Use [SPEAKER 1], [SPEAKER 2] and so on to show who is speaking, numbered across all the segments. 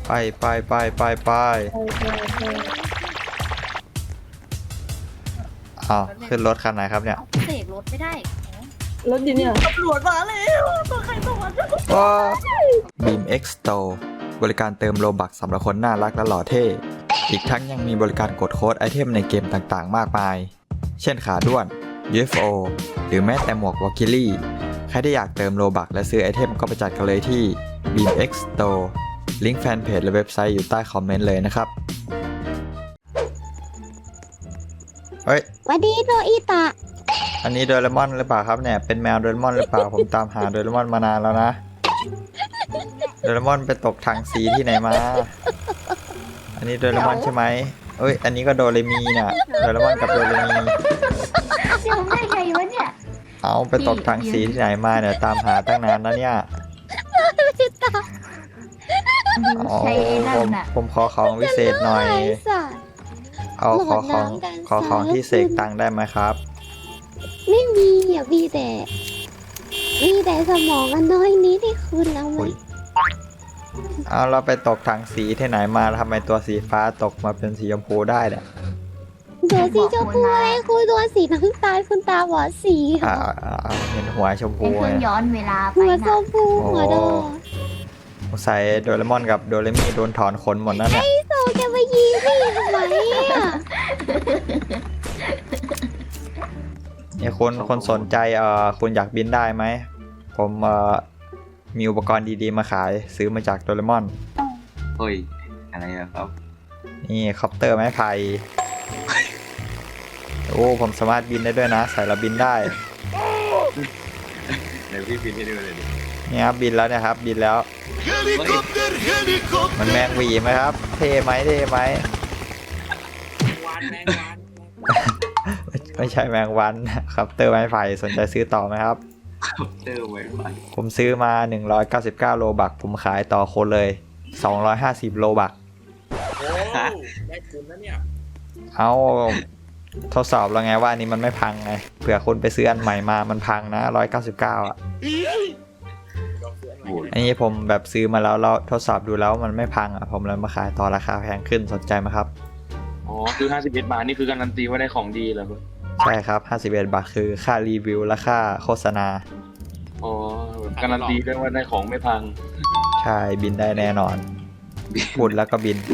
[SPEAKER 1] ไปอ้าวขึ้นรถคันไหนครับเนี่ย
[SPEAKER 2] เสกรถไม่ได้
[SPEAKER 3] รถอยู่เนี่ย
[SPEAKER 2] ตำรวจมาแล้วตัวใครตัวมัน
[SPEAKER 1] ว้า Beam X Store บริการเติมโลบักสำหรับคนน่ารักและหล่อเท่อีกทั้งยังมีบริการกดโค้ดไอเทมในเกมต่างๆมากมายเช่นขาด้วน UFO หรือแม้แต่หมวกวอลคิลี่ใครที่อยากเติมโลบักและซื้อไอเทมก็ไปจัดกันเลยที่ Beam X Store ลิงก์แฟนเพจและเว็บไซต์อยู่ใต้คอมเมนต์เลยนะครับเฮ้ย
[SPEAKER 4] สวัสดีโนอิตะ
[SPEAKER 1] อันนี้โดเรมอนหรือเปล่าครับเนี่ยเป็นแมวโดเรมอนหรือเปล่า ผมตามหาโดเรมอนมานานแล้วนะโดเรมอนไปตกถังสีที่ไหนมาอันนี้โดเรมอนใช่ไหมเอ้ยอันนี้ก็โดเรมีเนี่ยโดเรมอนกับโดเรมี
[SPEAKER 2] เดี๋ยวได้ไงวะเนี่ย
[SPEAKER 1] เอาไปตกถังสีที่ไหนมาเนี่ยตามหาตั้งนานนะเนี่ยผมขอของวิเศษหน่อยเอาขอของที่เสกตังได้ไหมครับ
[SPEAKER 4] ไม่มีอ่ะมีแต่สมองอันน้อยนี้ที่คุณเอาไว้
[SPEAKER 1] เอาเราไปตกถังสีที่ไหนมาทำไมตัวสีฟ้าตกมาเป็นสีชมพูได้เนี่ย
[SPEAKER 4] ตัวสีชมพูอะไรคุณตัวสีน้ำตาลคุณตาบอดสี
[SPEAKER 1] เห็นหัวชมพู
[SPEAKER 2] เป็นเครื่องย้อนเวลาไป
[SPEAKER 4] หัวชมพูหัวดอ
[SPEAKER 1] ใส่โดเรมอนกับโดเรมีโดนถอนขนหมดนั่นแหละ
[SPEAKER 4] ไอ้โซจะมายิงพี่ทำไมอ่ะ
[SPEAKER 1] เนี่ยคนสนใจคุณอยากบินได้ไหมผมมีอุปกรณ์ดีๆมาขายซื้อมาจากโดเรมอน
[SPEAKER 5] เฮ้ยอะไรครับ
[SPEAKER 1] นี่คอปเตอร์ไม้ไผ่โอ้ผมสามารถบินได้ด้วยนะใส่แล้วบินได้
[SPEAKER 5] เดี๋ยวพี่บินให้ดูเลยดิ
[SPEAKER 1] นี่ครับบินแล้วนะครับบินแล้วมันแมงวีไหมครับเท่ไหมไม่ใช่แมงวันครับเตอร์ไม้ไผ่สนใจซื้อต่อไหมครับ
[SPEAKER 5] เตอร์ไม้ไผ่
[SPEAKER 1] ผมซื้อมา199โลบักผมขายต่อคนเลย250โลบัก
[SPEAKER 6] โอ้ได้ทุนแล้วเนี่ย
[SPEAKER 1] เอาทดสอบแล้วไงว่านี่มันไม่พังไงเผื่อคุณไปซื้ออันใหม่มามันพังนะ199อ่ะอันนี้ผมแบบซื้อมาแล้วเราทดสอบดูแล้วมันไม่พังอ่ะผมเลยมาขายต่อราคาแพงขึ้นสนใจไหมครับ
[SPEAKER 5] อ๋อคือ51 บาทนี่คือการันตีว่าได้ของดีเหรอครับ
[SPEAKER 1] ใช่ครับ51 บาทคือค่ารีวิวและค่าโฆษณา
[SPEAKER 5] อ๋อการันตีได้ว่าได้ของไม่พัง
[SPEAKER 1] ใช่บินได้แน่นอนพูดแล้วก็บิน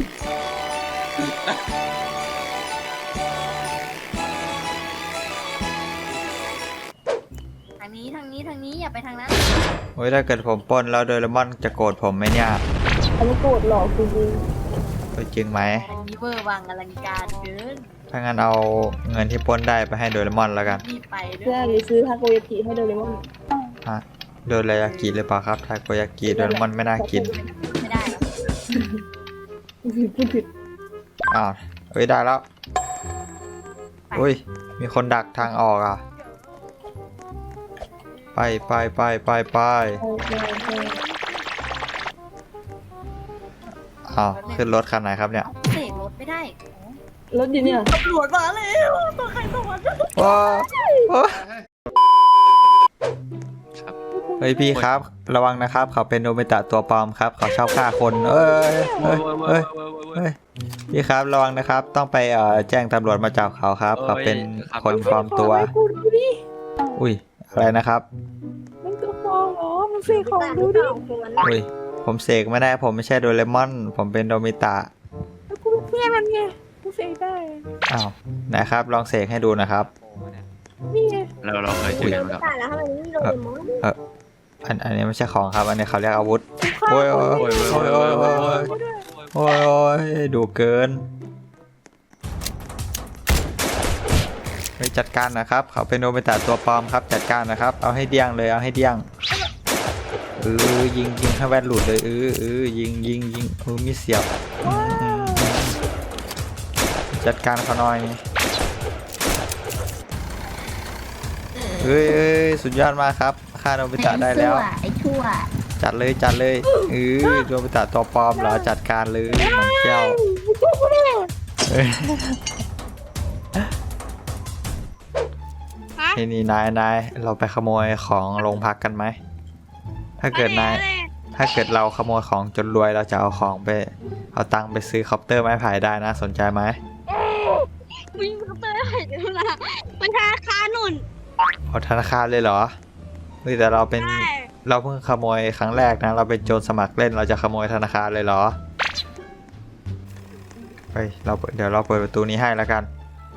[SPEAKER 2] ทางนี้อย่าไปทางนั้น
[SPEAKER 1] โอ้ยถ้าเกิดผมปล้นแล้วโดเรมอนจะโกรธผมไหมเนี่ย
[SPEAKER 3] เขาไม่โกรธหรอกจริง
[SPEAKER 1] จริงไหม
[SPEAKER 2] อันนี้เวอร์วังอลังการเกิน
[SPEAKER 1] ถ้างั้นเอาเงินที่ปล้นได้ไปให้โดเรมอนแล้วกัน
[SPEAKER 3] เพื่อหรือซื้อทาโกยากิให้โดเรมอน
[SPEAKER 1] โดเรยากิหรือเปล่าครับทาโกยากิโดเรมอนไม่น่ากิน
[SPEAKER 2] ไม่ได้หรอก
[SPEAKER 3] พูดผิด
[SPEAKER 1] อ้าวเอ้ยได้แล้วอุ้ยมีคนดักทางออกอ่ะไปอ้าวขึ้นรถคันไหนครับเนี่ย
[SPEAKER 2] เสกรถไม่ได้
[SPEAKER 3] รถอยู่เนี่ย
[SPEAKER 2] ตำรวจมาแล้วตัวใครตัวมัน
[SPEAKER 1] ว้าเฮ้ยพี่ครับระวังนะครับเขาเป็นโนบิตะตัวปลอมครับเขาชอบฆ่าคนเฮ้ยพี่ครับระวังนะครับต้องไปแจ้งตำรวจมาจับเขาครับเขาเป็นคนปลอมตัวอุ้ยอะไรนะครับ
[SPEAKER 3] มันตัวปลอมเหรอมันเสกของดูดิ
[SPEAKER 1] อุ้ยผมเสกไม่ได้ผมไม่ใช่โดเรมอนผมเป็นโนบิตะ
[SPEAKER 3] แล้วกูเพื่อนมันไงกูเสกได้
[SPEAKER 1] อ้าวนะครับลองเสกให้ดูนะครับ
[SPEAKER 3] นี่ไง
[SPEAKER 5] เราเคยเจอกันครับ
[SPEAKER 1] อันนี้ไม่ใช่ของครับอันนี้เขาเรียกอาวุธโอ้ยดูเกินไปจัดการนะครับเขาเป็นโนบิตะตัวปลอมครับจัดการนะครับเอาให้เดี้ยงเลยเอาให้เดี้ยงยิงให้แว่นหลุดเลยยิงมีเสียบจัดการเขาหน่อยเฮ้ยสุดยอดมากครับฆ่าโนบิตะได้แล้ว
[SPEAKER 2] ไอ้ชั่ว
[SPEAKER 1] จัดเลยโนบิตะตัวปลอมเหรอจัดการเลยมันเจ้านี่นายเราไปขโมยของโรงพักกันไหมถ้าเกิดถ้าเกิดเราขโมยของจนรวยเราจะเอาของไปเอาตังค์ไปซื้อคอปเตอร์ไม้ไผ่ได้นะสนใจไหม
[SPEAKER 4] มึงเขาไปไหนกันล่ะมันธนาคารนุ่น
[SPEAKER 1] เอาธนาคารเลยเหรอเฮ้ยแต่เราเป็นเราเพิ่งขโมยครั้งแรกนะเราเป็นโจรสมัครเล่นเราจะขโมยธนาคารเลยเหรอเฮ้ยเดี๋ยวเราเปิดประตูนี้ให้แล้วกัน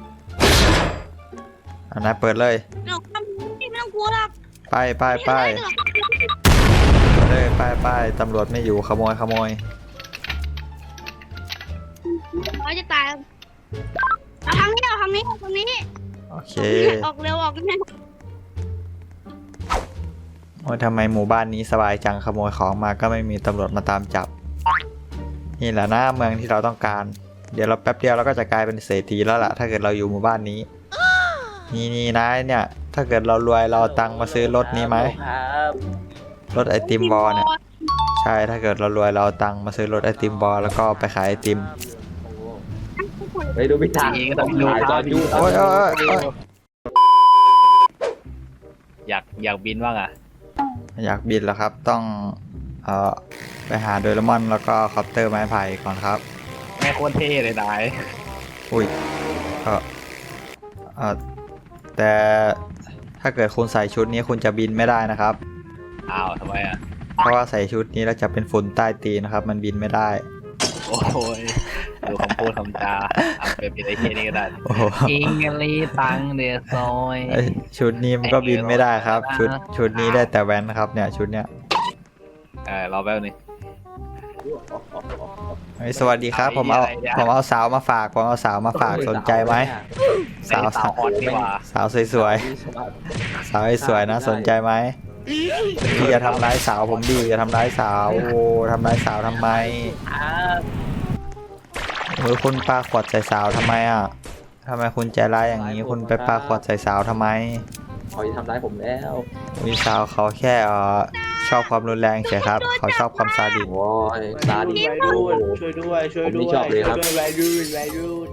[SPEAKER 1] อันนั้นเปิดเลย
[SPEAKER 4] เดี๋ยวทำไม่ต้องกลัวหรอก
[SPEAKER 1] ไปเลยไปตำรวจไม่อยู่ขโมย
[SPEAKER 4] เขาจะตายเอาทางนี้เอาทางนี้เอาทางนี้
[SPEAKER 1] โอเค
[SPEAKER 4] ออกเร็วออกเร็ว
[SPEAKER 1] โอ้ยทำไมหมู่บ้านนี้สบายจังขโมยของมาก็ไม่มีตำรวจมาตามจับนี่แหละนะเมืองที่เราต้องการเดี๋ยวเราแป๊บเดียวเราก็จะกลายเป็นเศรษฐีแล้วล่ะถ้าเกิดเราอยู่หมู่บ้านนี้นี่นะเนี่ยถ้าเกิดเรารวยเราเอาตังค์มาซื้อรถนี้ไหมรถไอติมบอลเนี่ยใช่ถ้าเกิดเรารวยเราเอาตังค์มาซื้อรถไอติมบอลแล้วก็ไปขายไอติม
[SPEAKER 6] ไปดูพิธาดูจอดู
[SPEAKER 1] โอ้ย
[SPEAKER 7] อยากบินบ้างอ่ะ
[SPEAKER 1] อยากบินแล้วครับต้องไปหาโดเรมอนแล้วก็คอปเตอร์ไม้ไผ่ก่อนครับ
[SPEAKER 7] แม่โคตรเท่เลยนาย
[SPEAKER 1] อุ้ยแต่ถ้าเกิดคุณใส่ชุดนี้คุณจะบินไม่ได้นะครับ
[SPEAKER 7] อ้าวทำไมอ่ะ
[SPEAKER 1] เพราะว่าใส่ชุดนี้แล้วจะเป็นฝุ่นใต้ตีนนะครับ มันบินไม่ได้
[SPEAKER 7] โอ้ยดูคำพูดคำจาเอาไปเป็นไอ้เหี้ยนี่ก็ได้
[SPEAKER 1] โอ้โห
[SPEAKER 7] อิงลีตังเดซอย
[SPEAKER 1] เอ้ยชุดนี้มันก็บินไม่ได้ครับ ชุดนี้ได้แต่แว้นนะครับเนี่ยชุดเนี้ย
[SPEAKER 7] รอแป๊บนึง
[SPEAKER 1] เฮ้ยสวัสดีครับผมเอาสาวมาฝากสนใจไหมสาว
[SPEAKER 7] สาวฮอตนี่หว่า
[SPEAKER 1] สาวสวยๆสาวสวยๆนะสนใจไหมพี่อย่าทำร้ายสาวผมดิอย่าทำร้ายสาวโอ้ทำร้ายสาวทำไมคุณปาขวดใส่สาวทำไมอ่ะทำไมคุณใจร้ายอย่างนี้คุณไปปาขวดใส่สาวทำไม
[SPEAKER 6] เขาจะทำร้ายผมแล้ว
[SPEAKER 1] วิสาวเขาแค่ชอบความรุนแรงเฉยครับเขาชอบความซาดิส
[SPEAKER 6] โอ้ยตาดี
[SPEAKER 8] ช่วยด้วยผม
[SPEAKER 6] ไม่ชอบเลยครับ
[SPEAKER 8] ช่วยด้วย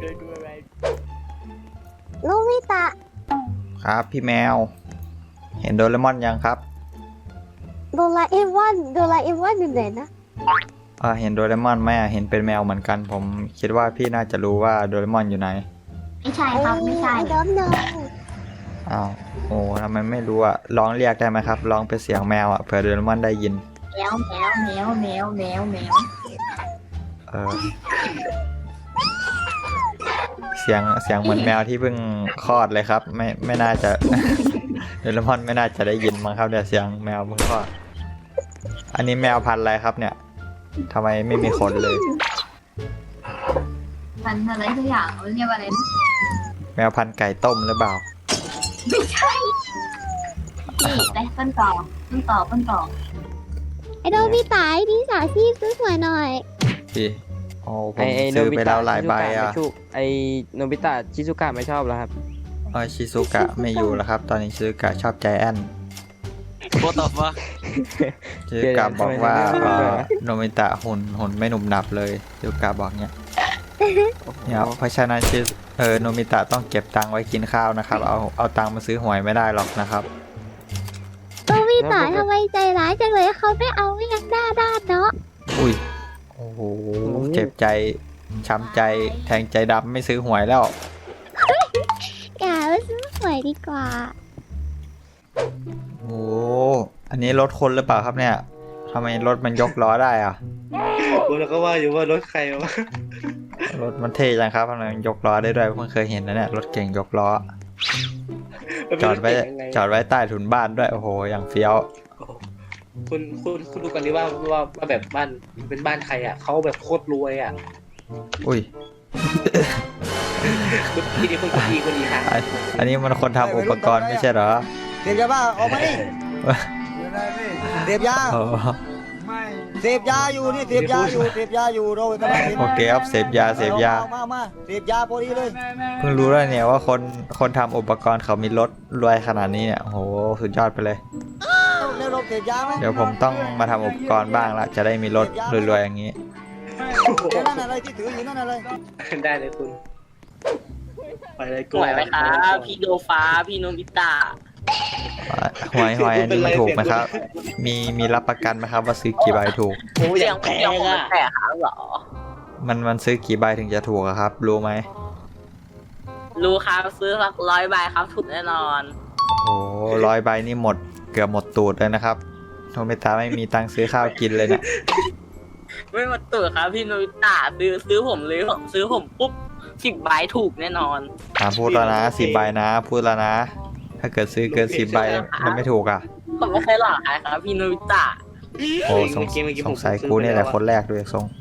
[SPEAKER 4] ลูกวิตา
[SPEAKER 1] ครับพี่แมว เห็นโดเรมอนยังครับ
[SPEAKER 4] โดราเอมอนอยู่ไหนนะ
[SPEAKER 1] เห็นโดเรมอนไหมเห็นเป็นแมวเหมือนกัน ผมคิดว่าพี่น่าจะรู้ว่าโดเรมอนอยู่ไหน
[SPEAKER 2] ไม่ใช่ครับไม่ใช่
[SPEAKER 4] ไอ้ดอมน้อง
[SPEAKER 1] อ้าวโอ้ทำไมไม่รู้อ่ะร้องเรียกได้ไหมครับร้องเป็นเสียงแมวอ่ะเผื่อโดเรมอนได้ยิน
[SPEAKER 2] แมว
[SPEAKER 1] เสียงเหมือนแมวที่เพิ่งคลอดเลยครับ ไม่น่าจะ โดเรมอนไม่น่าจะได้ยินมั้งครับเดี๋ยวเสียงแมวเพิ่งคลอดอันนี้แมวพันธุ์อะไรครับเนี่ยทำไมไม่มีขนเลย
[SPEAKER 2] มันอะไรทุกอย่างเรียกว่าอะไรนะ
[SPEAKER 1] แมวพันธุ์ไก่ต้มหรือเปล่า
[SPEAKER 2] ไม่ใช่นี่ไปต้นต่อ
[SPEAKER 4] ไอ้โดมิตาไอ้นี่สาชีพสวยๆหน่อย
[SPEAKER 1] พี่โอ้ผมซื้อไปแล้วหลายใบอ่ะ
[SPEAKER 8] ไอโนบิตะชิซุกะไม่ชอบแล้วครับ
[SPEAKER 1] ชิซุกะไม่อยู่แล้วครับ ตอนนี้ชิซุกะชอบใจแอน
[SPEAKER 7] โคตรตบวะ
[SPEAKER 1] ชิซุกะบอกว่าโนมิตะหุ่นไม่หนุ่มหนับเลยชิซุกะบอกเนี่ยเพราะฉะนั้นโนมิตะต้องเก็บตังค์ไว้กินข้าวนะครับเอาตังค์มาซื้อหวยไม่ได้หรอกนะครับ
[SPEAKER 4] โดมิตาทำไมใจร้ายจังเลยเขาไม่เอาไม่ยังด้านเนาะ
[SPEAKER 1] อุ้ยโอ้โหเจ็บใจช้ำใจแทงใจดำไม่ซื้อหวยแล้ว
[SPEAKER 4] อย่าไปซื้อหวยดีกว่า
[SPEAKER 1] โอ้อันนี้รถคนหรือเปล่าครับเนี่ยทำไมรถมันยกล้อได้อะ
[SPEAKER 8] กูแล้วก็ว่าอยู่ว่ารถใครวะ
[SPEAKER 1] รถมันเท่จังครับทำไมมันยกล้อได้ด้วยเพิ่งเคยเห็นนะเนี่ยรถเก่งยกล้อจอดไว้ใต้ถุนบ้านด้วยโอ้โหอย่างเฟี้ยว
[SPEAKER 8] คุณดูกันดิว่าแบบบ้านเป็นบ้านใครอ่ะเขาแบบโคตรรวยอ่ะ
[SPEAKER 1] อุ้ย
[SPEAKER 8] คุณดีคนดีค่ะ
[SPEAKER 1] อันนี้มันคนทำอุปกรณ์ไม่ใช่เหรอ
[SPEAKER 9] เสพยาบ้าออกมาดิเสพยา
[SPEAKER 1] โอ้
[SPEAKER 9] เสพยาอยู่นี่เสพยาอยู่เรากำลัง
[SPEAKER 1] โอเคครับเสพยา
[SPEAKER 9] มาเสพยาพอดีเลย
[SPEAKER 1] เพิ่งรู้แล้วเนี่ยว่าคนทำอุปกรณ์เขามีรถรวยขนาดนี้เนี่ยโอ้โหสุดยอดไปเลย
[SPEAKER 9] แล้วเราเสพยาไหม
[SPEAKER 1] เดี๋ยวผมต้องมาทำอุปกรณ์บ้างละจะได้มีรถรวยๆอย่างนี้
[SPEAKER 9] นั่นอะไรที่ถืออยู่นั่นอะไร
[SPEAKER 8] ได้เลยคุณไปเลยกู
[SPEAKER 10] ไหวไหมครับพี่โดฟ้าพี่โนบิตะ
[SPEAKER 1] หวยอันนี้มันถูกไหมครับ มีรับประกันไหมครับว่าซื้อกี่ใบถูก
[SPEAKER 8] โอ้ยอย่างแพงอ่ะ
[SPEAKER 2] แต่ครับเหรอ
[SPEAKER 1] มันซื้อกี่ใบถึงจะถูกอะครับ รู้ไหม
[SPEAKER 2] รู้ครับซื้อสัก100 ใบครับถูกแน่นอน
[SPEAKER 1] โอ้100 ใบนี่หมดเกือบหมดตูดเลยนะครับโนบิตะไม่มีตังค์ซื้อข้าวกินเลยเนี่ย
[SPEAKER 2] ไม่มาตื่นครับพี่โนบิตะซื้อผมเลยซื้อผมปุ๊บ10 ใบถูกแน่นอน
[SPEAKER 1] พูดแล้วนะ10 ใบนะพูดแล้วนะ ถ้าเกิดซื้อเกิน10 ใบมันไม่ถูกอ่ะ
[SPEAKER 2] ผมไม่เคยหลอกใครครับพี่โนบิตะ
[SPEAKER 1] โอ้สงสัยกูเนี่ยแหละคนแรกด้วยทรง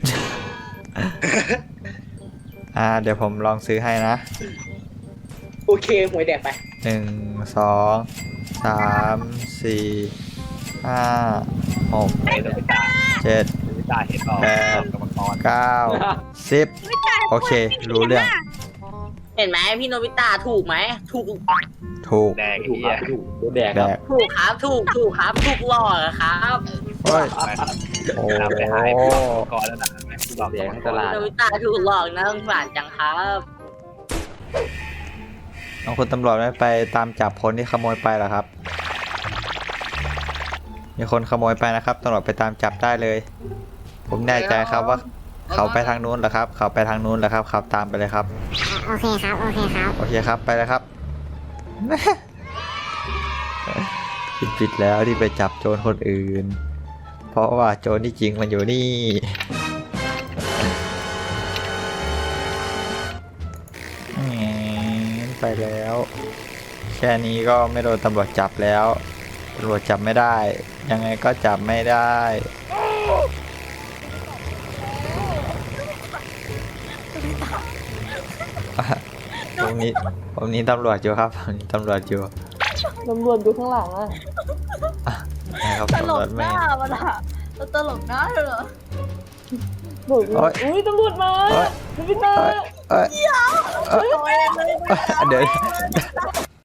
[SPEAKER 1] เดี๋ยวผมลองซื้อให้นะ
[SPEAKER 8] โอเคหวยแดกไป
[SPEAKER 1] 1 2 3 4 5 6
[SPEAKER 7] ไอ้ตัวพิจาร
[SPEAKER 1] 7
[SPEAKER 7] พิจารเห็นต่อ
[SPEAKER 1] แปด
[SPEAKER 7] กรรมกร
[SPEAKER 1] 9 10โอเค รู้เรื่อง
[SPEAKER 2] เห็นไหมพี่โนบิตะถูกไหมถูก
[SPEAKER 1] ถูก
[SPEAKER 7] แดง
[SPEAKER 6] ถูก
[SPEAKER 7] เฮี
[SPEAKER 6] ค
[SPEAKER 7] ย
[SPEAKER 6] รับถูกโดนแดก
[SPEAKER 1] แด
[SPEAKER 6] ครับ
[SPEAKER 1] ก
[SPEAKER 2] ถูกครับถูกครับถูกหลอกอะครับ
[SPEAKER 1] เฮ้ย
[SPEAKER 7] ไปครับ
[SPEAKER 1] โอ้
[SPEAKER 7] นำไปหายกรรมกรแล้วนะบอก
[SPEAKER 6] แด
[SPEAKER 7] กรร
[SPEAKER 6] ก
[SPEAKER 7] ม
[SPEAKER 6] ทั้ง
[SPEAKER 7] ก
[SPEAKER 6] ต
[SPEAKER 7] ร
[SPEAKER 6] ลาด
[SPEAKER 2] โนบิตะถูกหลอกนะสงสารจังครับ
[SPEAKER 1] น้องคุณตำรวจไม่ไปตามจับคนที่ขโมยไปเหรอครับ มีคนขโมยไปนะครับตำรวจไปตามจับได้เลย ผมแน่ใจครับว่า เขาไปทางนู้นเหรอครับ เขาไปทางนู้นเหรอครับขับตามไปเลยครับ
[SPEAKER 4] โอเคครับ โอเคครับ
[SPEAKER 1] โอเคครับไปเลยครับ ผิดแล้วที่ไปจับโจรคนอื่น เพราะว่าโจรที่จริงมันอยู่นี่ไปแล้ว แค่นี้ก็ไม่โดนตำรวจจับแล้วตำรวจจับไม่ได้ ยังไงก็จับไม่ได้ผมนี้ตำรวจอยู่ครับผมนี้ตำรวจอยู่
[SPEAKER 3] ตำรวจอยู่ข้างหลังอ่ะ
[SPEAKER 1] นะครับ
[SPEAKER 2] ต
[SPEAKER 1] ตำ
[SPEAKER 2] ล
[SPEAKER 1] รว
[SPEAKER 2] ก
[SPEAKER 1] จ
[SPEAKER 2] ห
[SPEAKER 1] ไม่
[SPEAKER 2] น้ามันอะตลกหน้าเหรอ
[SPEAKER 3] บอก
[SPEAKER 1] โอ๊ย
[SPEAKER 3] อุ้ยตำรวจมา
[SPEAKER 1] โอ๊ย
[SPEAKER 3] โนบิตะ
[SPEAKER 1] เดี๋ยว